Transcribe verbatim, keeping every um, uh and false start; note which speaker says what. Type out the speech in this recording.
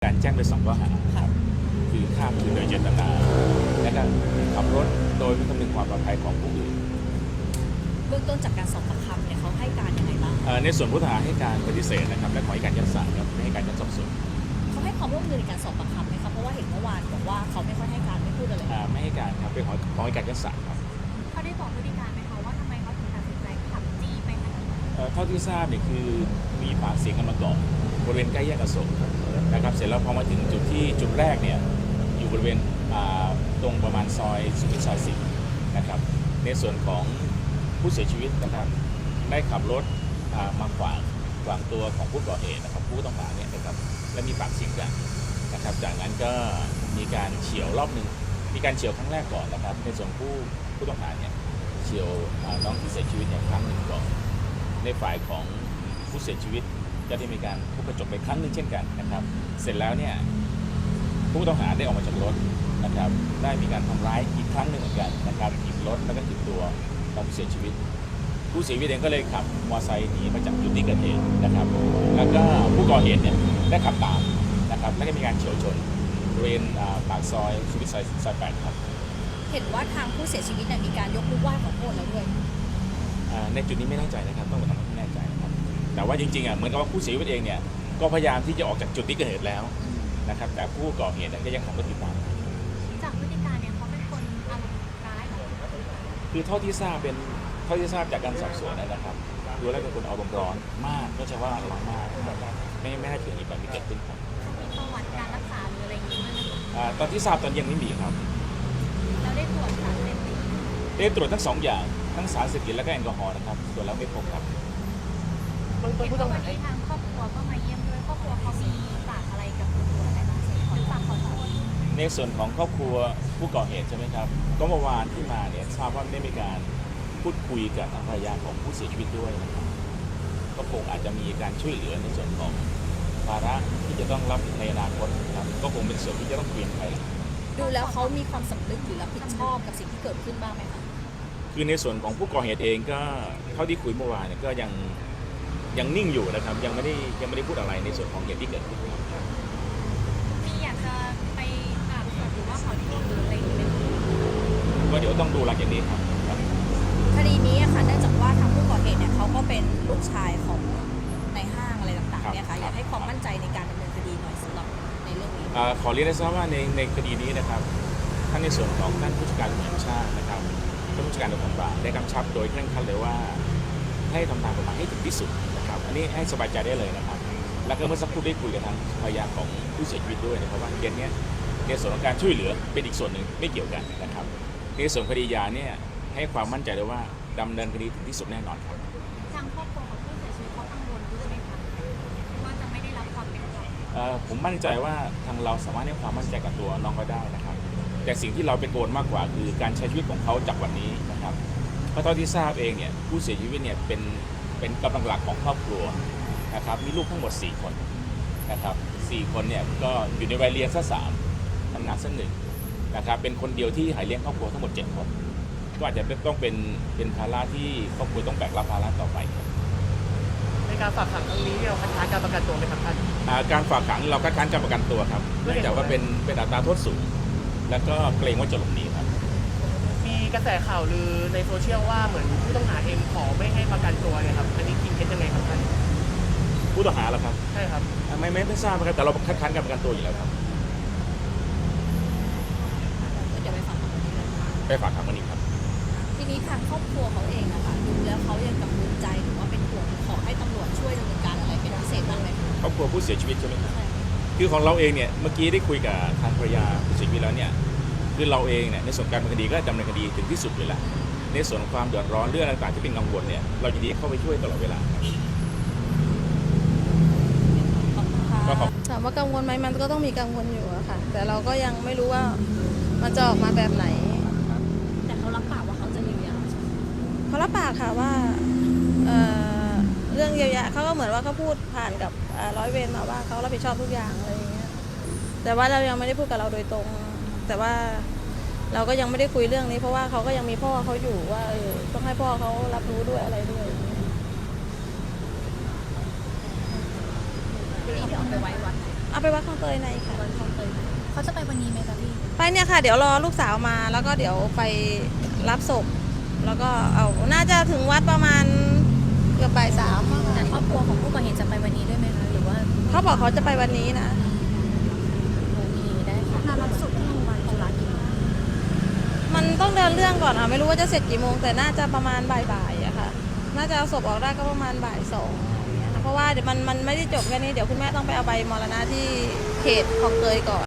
Speaker 1: การแจ้งไปสองข้อหาครับคือฆ่าผู้อื่นโดยเจตนาและก็ขับรถโดยไม่คำนึงความปลอดภัยของผู้อื่น
Speaker 2: เบื้องต้นจากการสอบปากคำเนี่ยเขาให้การยังไงบ้าง
Speaker 1: ในส่วนผู้ต้องหาให้การปฏิเสธนะครับและขอให้การยัดสารครับไม่ให้การยัดสอบสวน
Speaker 2: เขาให้ความร่วมมือในการสอบปากคำไหมครับเพราะว่าเห็นเมื่อวานบอกว่าเขาไม่ค่อยให้การไม่พูดอะไร
Speaker 1: ไม่ให้การครับเป็นขอขอให้การยัดสารครับ
Speaker 3: เขาได้บอกพฤติการไหมคะว่าทำไมเขาถึงตัดสินใจขับจี้ไปขนาดนั้น
Speaker 1: เท่าที่ทราบเนี่ยคือมีปากเสียงกันมาก่อนบริเวณใกล้แยกอโศกนะครับเสร็จแล้วพอมาถึงจุดที่จุดแรกเนี่ยอยู่บริเวณตรงประมาณซอยสุขุมวิทซอยสี่นะครับในส่วนของผู้เสียชีวิตนะครับได้ขับรถมาขวางขวางตัวของผู้ก่อเหตุนะครับผู้ต้องหาเนี่ยนะครับและมีปากเสียงกันนะครับจากนั้นก็มีการเฉี่ยวรอบหนึ่งมีการเฉี่ยวครั้งแรกก่อนนะครับในส่วนผู้ผู้ต้องหาเนี่ยเฉี่ยวน้องที่เสียชีวิตเนี่ยครั้งหนึ่งก่อนในฝ่ายของผู้เสียชีวิตก็ได้มีการทุบกระจกไปครั้งหนึ่งเช่นกันนะครับเสร็จแล้วเนี่ยผู้ต้องหาได้ออกมาจากรถนะครับได้มีการทำร้ายอีกครั้งหนึ่งเหมือนกันนะครับถีบรถแล้วก็ถีบตัวของผู้เสียชีวิตผู้เสียชีวิตเองก็เลยขับมอเตอร์ไซค์หนีมาจากจุดที่เกิดเหตุนะครับแล้วก็ผู้ก่อเหตุเนี่ยได้ขับตามนะครับแล้วก็มีการเฉี่ยวชนบริเวณปากซอยสุขุมวิทซอยแปดครับ
Speaker 2: เห็นว่าทางผู้เสียชีวิตเนี่ยมีการยกมือไหว้ขอโทษแล้วด้วย
Speaker 1: ในจุดนี้ไม่แน่ใจนะครับต้องไปทำให้แน่ใจนะครับแต่ว่าจริงๆอ่ะเหมือนกับว่าผู้เสียชีวิตเองเนี่ยก็พยายามที่จะออกจากจุดที่เกิดเหตุแล้วนะครับแต่ผู้ก่อเหตุก็ยังขับรถติดตาม
Speaker 3: จากพฤติการเนี่ยเขาเป็นคนอารมณ์ร้ายหรอ
Speaker 1: คือเท่าที่ทราบเป็นเท่าที่ทราบจากการสอบสวนนะครับดูแล้วเป็นคนอารมณ์ร้อนมากก็จะว่าอารมณ์มากไม่ไม่น่าเชื่ออีกแบบนี้เกิดขึ้นครับ
Speaker 3: มีประวัติการรักษาหรืออะไรอย่างนี้ไหม
Speaker 1: ตอนที่ทราบตอนยังไม่มีครับ
Speaker 3: เราได้ตรวจสารเสพติด
Speaker 1: ได้ตรวจทั้งสองอย่างทั้งสารเสพติดและก็แอลกอฮอล์นะครับตรวจแล้วไม่พบครับ
Speaker 3: เห็นว่าวันนี้ทางครอบครัวก็มาเยี่ยมด้วยครอบครัวเขามีฝากอะไรกับตำรวจอะไรบ้างหรือฝากขอโทษ
Speaker 1: ในส่วนของครอบครัวผู้ก่อเหตุใช่ไหมครับก็เมื่อวานที่มาเนี่ยทราบว่าได้มีการพูดคุยกับทางภรรยาของผู้เสียชีวิตด้วยนะครับก็คงอาจจะมีการช่วยเหลือในส่วนของภาระที่จะต้องรับในอนาคตครับก็คงเป็นส่วนที่จะต้องเปลี่ยนไป
Speaker 2: ดูแล้วเขามีความสำนึกหรือรับผิดชอบกับสิ่งที่เกิดขึ้นบ้างไหมคะ
Speaker 1: คือในส่วนของผู้ก่อเหตุเองก็เท่าที่คุยเมื่อวานเนี่ยก็ยังยังนิ่งอยู่นะครับยังไม่ได้ยังไม่ได้พูดอะไรในส่วนของเหตุที่เกิดขึ้น
Speaker 3: มีอยากจะไปอาบศพหรือว่าขอโทษหรืออะไรอย่างเงี้ย
Speaker 1: ก็เดี๋ยวต้องดูหลังจากนี้ครับ
Speaker 2: คดีนี้ค่ะเนื่องจากว่าทางผู้ก่อเหตุเนี่ยเขาก็เป็นลูกชายของในห้างอะไรต่างๆเนี่ยค่ะอยากให้ความมั่นใจในการดำเนินคดีหน่อยสำหรับในเรื่องนี้
Speaker 1: ขอเรียนให้ทราบว่าในในคดีนี้นะครับท่านในส่วนของท่านผู้จัดการตำรวจแห่งชาตินะครับท่านผู้จัดการตำรวจแห่งชาติได้กำชับโดยเคร่งครัดเลยว่าให้ทำตามกฎหมายให้ถึงที่สุดนะครับอันนี้ให้สบายใจได้เลยนะครับแล้วก็เมื่อสักครู่ได้คุยกับทางภรรยาของผู้เสียชีวิตด้วยนะครับว่าเกณฑ์นี้ในส่วนของการช่วยเหลือเป็นอีกส่วนหนึ่งไม่เกี่ยวกันนะครับในส่วนคดียาเนี่ยให้ความมั่นใจเลยว่าดำเนินคดีถึงที่สุดแน่นอนครับ
Speaker 3: ทางครอบครัวของผู้เสียชีวิตเขากังวลด้วยไหมคะว่าจะไม่ได้รับความเป็นธรรม
Speaker 1: ผมมั่นใจว่าทางเราสามารถให้ความมั่นใจกับตัวน้องก็ได้นะครับแต่สิ่งที่เราเป็นกังวลมากกว่าคือการใช้ชีวิตของเขาจากวันนี้นะครับเพราะตอนที่ทราบเองเนี่ยผู้เสียชีวิตเนี่ยเป็นเป็นกำลังหลักของครอบครัวนะครับมีลูกทั้งหมดสี่คนนะครับสี่คนเนี่ยก็อยู่ในวัยเรียนซะสามทำงานซะหนึ่งนะครับเป็นคนเดียวที่หาเลี้ยงครอบครัวทั้งหมดเจ็ดคนก็อาจจะต้องเป็นเป็นภาระที่ครอบครัวต้องแบกรับภาระต่อไป
Speaker 4: ในการฝากขังครั้งนี้เราคัดค้านการประกันตัวไหมครับท่าน
Speaker 1: การฝากขังเราคัดค้านการประกันตัวครับเนื่องจากว่าเป็นเป็นอัตราโทษสูงแล้วก็เกรงว่าจะหลบหนีครับ
Speaker 4: มีกระแสข่าวลือในโซเชียลว่าเหมือนผู้ต้องหาเองขอไม่ให้ประกันตัวเนี่ยครับอันนี้จริงเท็จยังไงครับท่าน
Speaker 1: ผู้ต้องหาเหรอครับ
Speaker 4: ใช่ครับ
Speaker 1: ไม่ไม่ไม่ทราบครับแต่เราคัดค้านการประกันตัวอยู่แล้วครับ
Speaker 2: เดี๋ยวไปฝากขัง
Speaker 1: ไปฝากขังวันนี้ครับ
Speaker 2: ทีนี้ทางครอบครัวเขาเองนะคะดูแล้วเขายังกังวลใจหรือว่าเป็นห่วงขอให้ตำรวจช่วยดำเนินการอะไรเป็นพิเศษบ้างไหม
Speaker 1: ครอบครัวผู้เสียชีวิตใช่ไหมครับคือของเราเองเนี่ยเมื่อกี้ได้คุยกับทางภรรยาผู้เสียชีวิตแล้วเนี่ยคือเราเองเนี่ยในส่วนการดำเนินคดีก็ดำเนินคดีถึงที่สุดเลยแหละในส่วนของความเดือดร้อนเรื่องต่างๆที่เป็นกังวลเนี่ยเรายินดีเข้าไปช่วยตลอดเวลา
Speaker 5: ถามว่ากังวลไหมมันก็ต้องมีกังวลอยู่อะค่ะแต่เราก็ยังไม่รู้ว่ามันจะออกมาแบบไหน
Speaker 2: แต่เขารับปากว่าเขาจะเยียวยา
Speaker 5: เขารับปากค่ะว่าเอ่อเรื่องเยียวยาเขาก็เหมือนว่าเขาพูดผ่านกับร้อยเวรมาว่าเขารับผิดชอบทุกอย่างอะไรอย่างเงี้ยแต่ว่าเรายังไม่ได้พูดกับเราโดยตรงแต่ว่าเราก็ยังไม่ได้คุยเรื่องนี้เพราะว่าเขาก็ยังมีพ่อเขาอยู่ว่าเออต้องให้พ่อเขารับรู้ด้วยอะไรด้วย
Speaker 2: ที่เอาไปไว้วัด
Speaker 5: เอาไปวัดคลองเตยในค่ะ
Speaker 3: วันคลองเตยเขาจะไปวันนี้ไหมคะพี่
Speaker 5: ไปเนี่ยค่ะ เดี๋ยวรอลูกสาวมาแล้วก็เดี๋ยวไปรับศพแล้วก็เอาน่าจะถึงวัดประมาณเกือบบ่ายสามอะ
Speaker 3: แต่
Speaker 5: ค่ะ
Speaker 3: ครอบครัวของผู้ก่อเหตุจะไปวันนี้ด้วยไหมคะหรือว่า
Speaker 5: เขาบอกเขาจะไปวันนี้นะ
Speaker 3: โอเคได้ค่ะมารับศพที่โรงพยาบาลจุฬากี่โมง
Speaker 5: มันต้องเดินเรื่องก่อนค่ะไม่รู้ว่าจะเสร็จกี่โมงแต่น่าจะประมาณบ่ายๆอะค่ะ น่าจะเอาศพออกได้ก็ประมาณบ่ายสองอย่างเงี้ยค่ะเพราะว่าเดี๋ยวมันมันไม่ได้จบแค่นี้เดี๋ยวคุณแม่ต้องไปเอาใบมรณะที่เขตคลองเตยก่อน